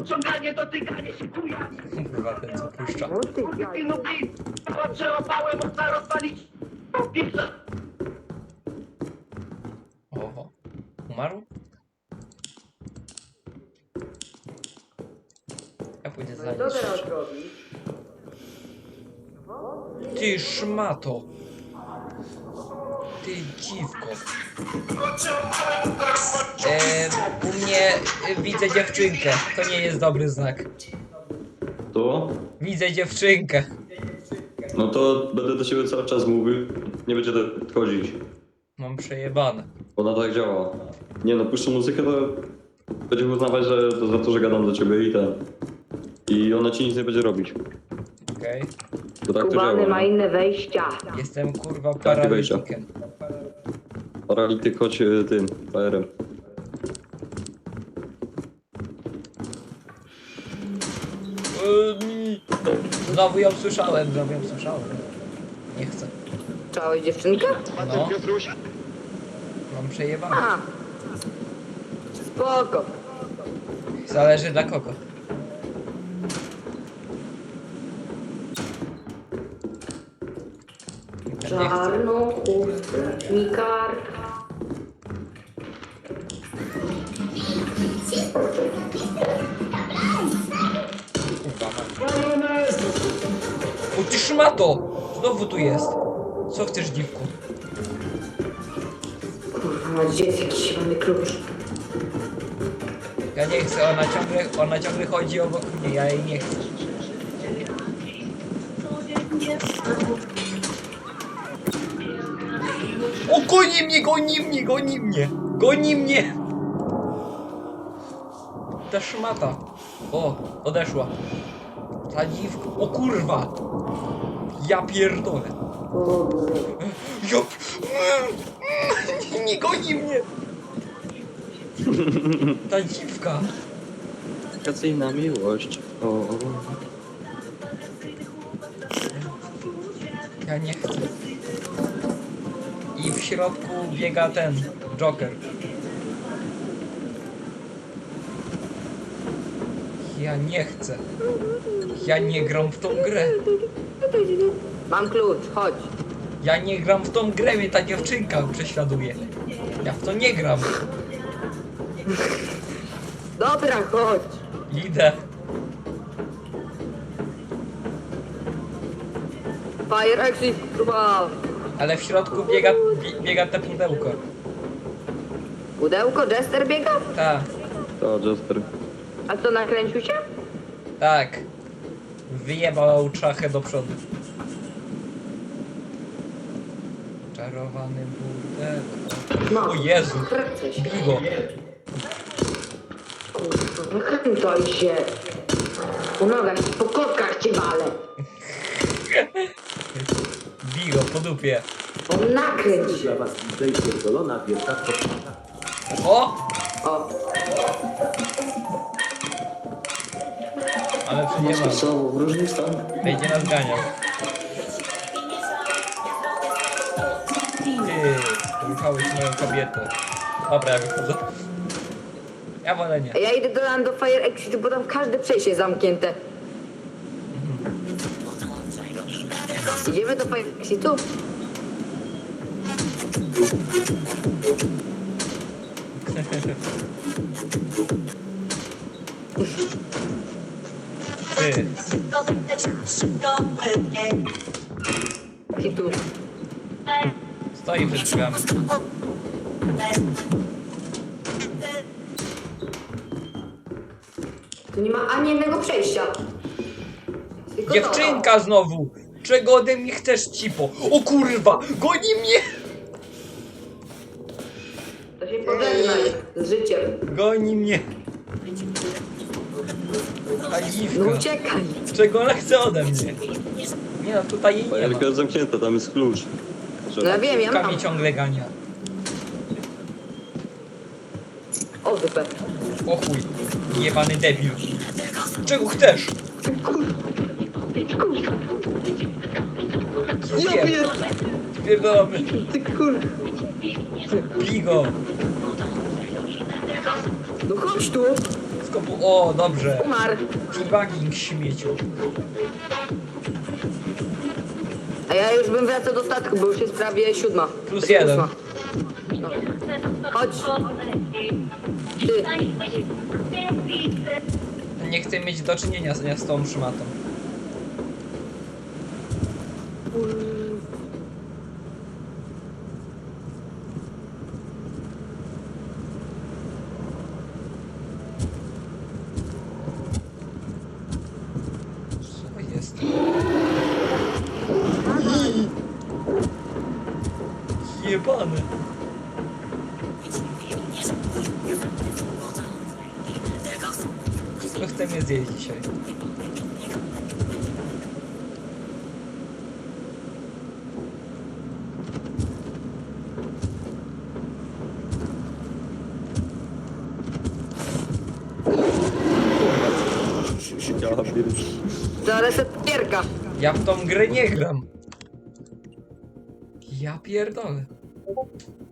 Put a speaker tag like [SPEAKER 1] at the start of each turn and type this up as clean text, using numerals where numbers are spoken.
[SPEAKER 1] Odciąganie, dotykanie się kuja.
[SPEAKER 2] Kurwa, ten co puszcza.
[SPEAKER 3] O ty jaj.
[SPEAKER 1] No i przełapałem, można rozpalić. Pizza.
[SPEAKER 2] Oho. Umarł? Ja pójdę za
[SPEAKER 3] Co
[SPEAKER 2] nim.
[SPEAKER 3] teraz robisz?
[SPEAKER 2] Ty szmato! Ty dziwko! U mnie widzę dziewczynkę. To nie jest dobry znak.
[SPEAKER 4] To?
[SPEAKER 2] Widzę dziewczynkę.
[SPEAKER 4] No to będę do ciebie cały czas mówił. Nie będzie tak chodzić.
[SPEAKER 2] Mam przejebane.
[SPEAKER 4] Ona tak działa. Nie no, puszczę muzykę, to będzie uznawać, że to za to, że gadam do ciebie i ten. I ona ci nic nie będzie robić.
[SPEAKER 2] Okej.
[SPEAKER 4] To tak to
[SPEAKER 3] Kubany
[SPEAKER 4] działa.
[SPEAKER 3] ma inne wejścia.
[SPEAKER 2] Jestem kurwa
[SPEAKER 4] Tak, ty wejścia.
[SPEAKER 2] paralitykiem.
[SPEAKER 4] Paralityk choć tym, PR-em.
[SPEAKER 2] Znowu ją słyszałem. Nie chcę.
[SPEAKER 3] Całej dziewczynkę?
[SPEAKER 2] No. Mam przejebane.
[SPEAKER 3] A. Spoko.
[SPEAKER 2] Zależy dla kogo. Nie chcę.
[SPEAKER 3] Czarną chustę mi kartka.
[SPEAKER 2] Kurwa mać. O ty szmato! Znowu tu jest. Co chcesz, dziwku?
[SPEAKER 3] Kurwa, gdzie jest jakiś zielony klucz?
[SPEAKER 2] Ja nie chcę, ona ciągle chodzi obok mnie, ja jej nie chcę. O, goni mnie! Ta szmata. O, odeszła. Ta dziwka. O kurwa! Ja pierdolę. Ja... Nie goni mnie! Ta dziwka.
[SPEAKER 4] Wakacyjna miłość. O.
[SPEAKER 2] Ja nie chcę. I w środku biega ten Joker. Ja nie chcę. Ja nie gram w tą grę.
[SPEAKER 3] Mam klucz, chodź.
[SPEAKER 2] Ja nie gram w tą grę, mnie ta dziewczynka prześladuje. Ja w to nie gram.
[SPEAKER 3] Dobra, chodź.
[SPEAKER 2] Idę.
[SPEAKER 3] Fire exit, próba.
[SPEAKER 2] Ale w środku biega te pudełko.
[SPEAKER 3] Pudełko, Jester biega?
[SPEAKER 2] Tak,
[SPEAKER 4] To Jester.
[SPEAKER 3] A co, nakręcił się?
[SPEAKER 2] tak. Wyjebał czachę do przodu. Czarowany pudełko.
[SPEAKER 3] No.
[SPEAKER 2] O Jezu.
[SPEAKER 3] Kręcę się.
[SPEAKER 2] Bij go.
[SPEAKER 3] Kurwa, nakręcaj się. Po nogach, po kotkach cię walę.
[SPEAKER 2] Bij go po dupie.
[SPEAKER 3] O, nakręć się.
[SPEAKER 5] Dla was DJ pierdolona wielka kobieta.
[SPEAKER 2] O!
[SPEAKER 3] O,
[SPEAKER 2] Ale przecież
[SPEAKER 4] w różnych stanach.
[SPEAKER 2] będzie nas ganiał. Ty, wychałeś moją kobietę. Dobra, ja wychodzę. Ja wolę nie.
[SPEAKER 3] a ja idę do Lando Fire Exit, bo tam każde przejście jest zamknięte. Idziemy do Fire Exitu?
[SPEAKER 2] Ty,
[SPEAKER 3] Exitu.
[SPEAKER 2] stoi przed drzwiami.
[SPEAKER 3] Tu nie ma ani jednego przejścia. Tylko
[SPEAKER 2] Dziewczynka znowu! Czego ode mnie chcesz, cipo? O kurwa! Goni mnie!
[SPEAKER 3] To się pożegnaj z życiem.
[SPEAKER 2] Goni mnie! Ta
[SPEAKER 3] No
[SPEAKER 2] dziwka.
[SPEAKER 3] uciekaj.
[SPEAKER 2] Czego ona chce ode mnie? Nie no, tutaj jej nie ma.
[SPEAKER 4] Fajerka jest zamknięta, tam jest klucz.
[SPEAKER 3] No ja wiem, ja
[SPEAKER 2] Dziwka
[SPEAKER 3] mam.
[SPEAKER 2] mnie ciągle gania.
[SPEAKER 3] O, dupę.
[SPEAKER 2] O chuj. Jebany debil. Czego chcesz?
[SPEAKER 3] Ja pier...
[SPEAKER 2] Pierdolony.
[SPEAKER 3] Ty kur...
[SPEAKER 2] Bij go.
[SPEAKER 3] No chodź tu.
[SPEAKER 2] Wszystko było... O, dobrze.
[SPEAKER 3] Umarł.
[SPEAKER 2] Debugging śmieciu.
[SPEAKER 3] A ja już bym wracał do statku, bo już jest prawie 7.
[SPEAKER 2] Plus 1.
[SPEAKER 3] 8. No. Chodź. Ty.
[SPEAKER 2] Nie chcę mieć do czynienia z tą szmatą. Co jest? Jebane. Kto chce mnie zjeść dzisiaj?
[SPEAKER 3] To resetierka.
[SPEAKER 2] Ja w tą grę nie gram. Ja pierdolę.